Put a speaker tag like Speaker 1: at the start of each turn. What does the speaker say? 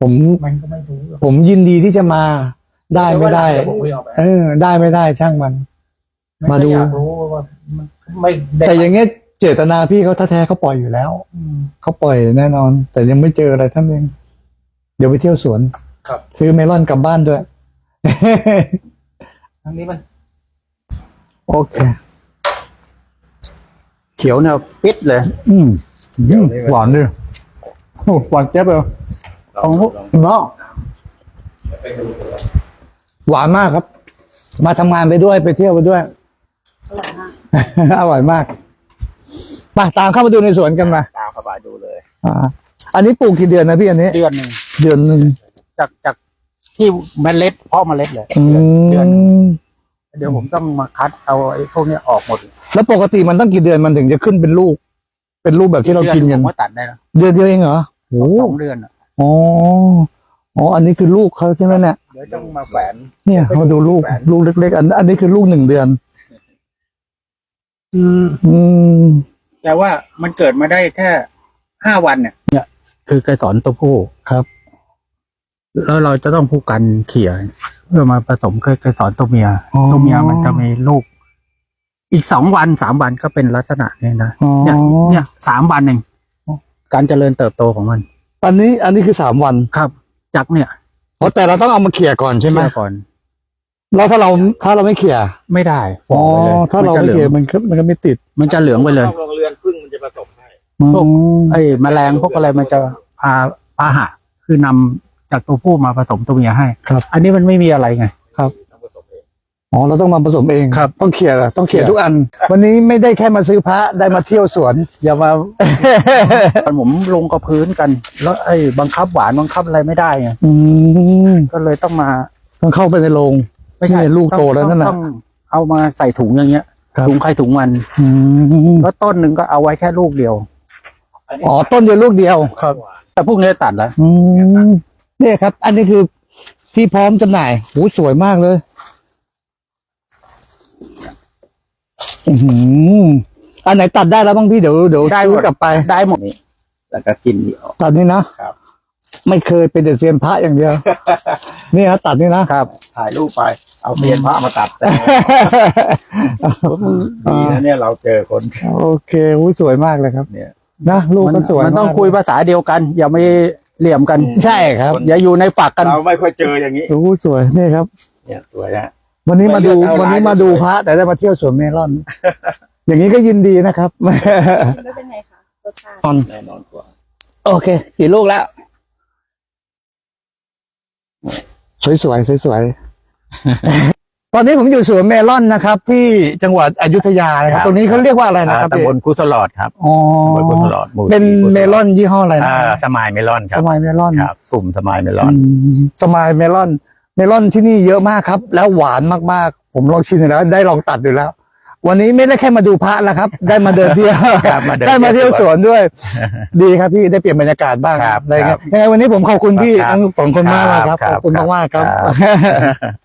Speaker 1: มันก็ไม่รู้หรอก
Speaker 2: ผมยินดีที่จะมาได้ไม่ได้
Speaker 1: เยวผมคุยออกไป
Speaker 2: ได้ไม่ได้ช่างมัน มาดู
Speaker 1: อยากรู้ว่ามันไม่ได้
Speaker 2: แต่อย่างเงี้ยเจตนาพี่เขาแท้ๆเขาปล่อยอยู่แล้ว
Speaker 1: อืม
Speaker 2: เขาปล่อยแน่นอน แต่ยังไม่เจออะไรท่านเองเดี๋ยวไปเที่ยวสวน
Speaker 1: ครับ
Speaker 2: ซื้อเมลอนกลับบ้านด้วย
Speaker 1: ทั้งนี้มัน
Speaker 2: โอเค
Speaker 3: เขียวเนี่ยปิดเลย
Speaker 2: หวานด้วยโอ้หวานแจ๊บเลยของเนาะหวานมากครับ มาทำงานไปด้วยไปเที่ยวไปด้วย อร่อยมากไปตามเข้ามาดูในสวนกันมา
Speaker 3: ตามเข้าไปดูเลย
Speaker 2: อันนี้ปลูกกี่เดือนนะพี่อันนี้
Speaker 1: เดือนหนึ่ง
Speaker 2: เดือนหนึ่ง
Speaker 1: จากที่เมล็ดเพาะเมล็ดเลย
Speaker 2: อื
Speaker 1: เดือน
Speaker 2: ม
Speaker 1: เดี๋ยวผมต้องมาคัดเอาไอ้พวกเนี้ยออกหมด
Speaker 2: แล้วปกติมันต้องกี่เดือนมันถึงจะขึ้นเป็นลูก เป็นลูกแบบที่เรากินกัน
Speaker 1: ผมว่าตัดได้แล้ว
Speaker 2: เดือนเดียวเองเหรอโอ้
Speaker 1: 2 เดือนอะ
Speaker 2: อ๋ออ๋ออันนี้คือลูกเขาใช่ไหมเนี่ย
Speaker 1: เดี๋ยวต้องมาแฝน
Speaker 2: เนี่ยมาดูลูกเล็กๆอันนี้คือลูก1 เดือน อืม
Speaker 1: แต่ว่ามันเกิดมาได้แค่5 วันเนี่ย คือไกสรตัวผู้
Speaker 2: ครับ
Speaker 1: แล้วเราจะต้องผู้กันเขี่ยเพื่อมาผสมไกสรตัวเมีย
Speaker 2: อ๋อ
Speaker 1: ตัวเมียมันจะมีลูก อีก2 วัน 3 วันก็เป็นลักษณะนี้นะ
Speaker 2: อ๋อ
Speaker 1: เนี่ย3 วันเองการเจริญเติบโตของมัน
Speaker 2: อันนี้คือ3 วัน
Speaker 1: ครับ จากเนี่ย
Speaker 2: เพราะแต่เราต้องเอามาเขี่ยก่อนใช่ไหม
Speaker 1: เชื่อก่อน
Speaker 2: แล้วถ้าเราไม่เขี่ย
Speaker 1: ไม่ได้
Speaker 2: อ๋อถ้าเราไม่เขี่ยมันก็ไม่ติด
Speaker 1: มันจะเหลืองไปเลย
Speaker 3: โรงเรือนพึ่งมันจะผสมให้
Speaker 1: พวก ไอ้แมลงพวกอะไรมันจะพาหะคือนำจากตัวผู้มาผสมตัวเมียให้
Speaker 2: ครับ
Speaker 1: อันนี้มันไม่มีอะไรไง
Speaker 3: ต้องผสมเอง
Speaker 2: อ๋อเราต้องมาผสมเอง
Speaker 1: ครับ
Speaker 2: ต้องเขี่ยต้องเขี่ย
Speaker 1: เขี่ย
Speaker 2: ทุกอัน วันนี้ไม่ได้แค่มาซื้อพระได้มาเที่ยวสวน อย่ามา
Speaker 1: ตอนผมลงกับพื้นกัน แล้วไอ้บังคับหวานบังคับอะไรไม่ได้ไง
Speaker 2: อืม
Speaker 1: ก็เลยต้องมา
Speaker 2: ต้องเข้าไปในโรง
Speaker 1: ไม่ใช่
Speaker 2: นี่ลูกโตแล้วนั่นน่ะ
Speaker 1: ต้องเอามาใส่ถุงอย่างเงี้ย
Speaker 2: ครับ
Speaker 1: ถุงใครถุงมัน
Speaker 2: อืม
Speaker 1: แล้วต้นหนึ่งก็เอาไว้แค่ลูกเดียว
Speaker 2: อ๋อต้นเดียวลูกเดียว
Speaker 1: ครับ แต่พวกนี้ตัดแล้ว
Speaker 2: อืมเนี่ยครับ อันนี้คือที่พร้อมจำหน่ายโหสวยมากเลย อือหืออันไหนตัดได้แล้วบ้างพี่เดี๋ยว
Speaker 1: ได้หม
Speaker 2: ซื้
Speaker 1: ด
Speaker 2: อกลับไป
Speaker 1: ได้หมด
Speaker 3: แล้วก็กินนี่ออก
Speaker 2: ตัดนี่นะครับ ไม่เคยเป็นแต่เซียนพระอย่างเดียว นี่นะตัดนี่นะครับ
Speaker 3: ถ่ายรูปไป เอาเทียนพระมาตัดแต่ดีนะเนี่ยเราเจอคน
Speaker 2: โอเคอุ๊ยสวยมากเลยครับ
Speaker 3: เนี่ย
Speaker 2: นะลูกก็สวย
Speaker 1: มันต้อง
Speaker 2: าก
Speaker 1: คุยภาษาเดียวกัน อย่าไม่เหลี่ยมกัน
Speaker 2: ใช่ครับ
Speaker 1: อย่าอยู่ในฝักกัน
Speaker 3: เราไม่ค่อยเจออย่างนี้
Speaker 2: โอ้สวยนี่ครับ
Speaker 3: เนี่ยสวยฮะ
Speaker 2: วันนี้มาดู
Speaker 3: ไม่เลือกเอา
Speaker 2: วันนี้มาดู
Speaker 3: ลายสวย
Speaker 2: พระแต่ได้มาเที่ยวสวนเมลอน อย่างนี้ก็ยินดีนะครับ
Speaker 4: ไม่เป็นไงคะรสชาติ
Speaker 3: แน่นอนกว่า
Speaker 2: โอเคกี่ลูกแล้ว สวยๆสวยๆ ตอนนี้ผมอยู่สวนเมลอนนะครับ ที่จังหวัดอยุธยานะครับ ตรงนี้เขาเรียกว่าอะไรนะครับ
Speaker 3: ตำบลกุสลอดครับ
Speaker 2: อ๋อ
Speaker 3: ตำบลกุสลอดหมู่
Speaker 2: เป็น
Speaker 3: สี่กุสลอด
Speaker 2: เมลอนยี่ห้ออะไรนะ
Speaker 3: สมายเมลอนค
Speaker 2: ส
Speaker 3: รับ
Speaker 2: มายเมลอน
Speaker 3: ครับ กลุ่มสมายเมลอน
Speaker 2: สมายเมลอน เมลอนที่นี่เยอะมากครับ แล้วหวานมากๆ ผมลองชิมแล้วได้ลองตัดอยู่แล้ว วันนี้ไม่ได้แค่มาดูพระแล้วครับ ได้มาเดินเที่ยว
Speaker 3: ครับมาเดิน
Speaker 2: ได้มาเที่ยวสวนด้วย ดีครับพี่ได้เปลี่ยนบรรยากาศบ้าง
Speaker 3: ครับ
Speaker 2: อะไรเงี้ย
Speaker 3: ครับ
Speaker 2: ยังไงวันนี้ผมขอบคุณพี่
Speaker 3: ครับ
Speaker 2: ทั้ง2 คนมากๆครับ
Speaker 3: ครับ
Speaker 2: ขอบคุณ
Speaker 3: ครับ
Speaker 2: มากๆครับ
Speaker 3: ครับ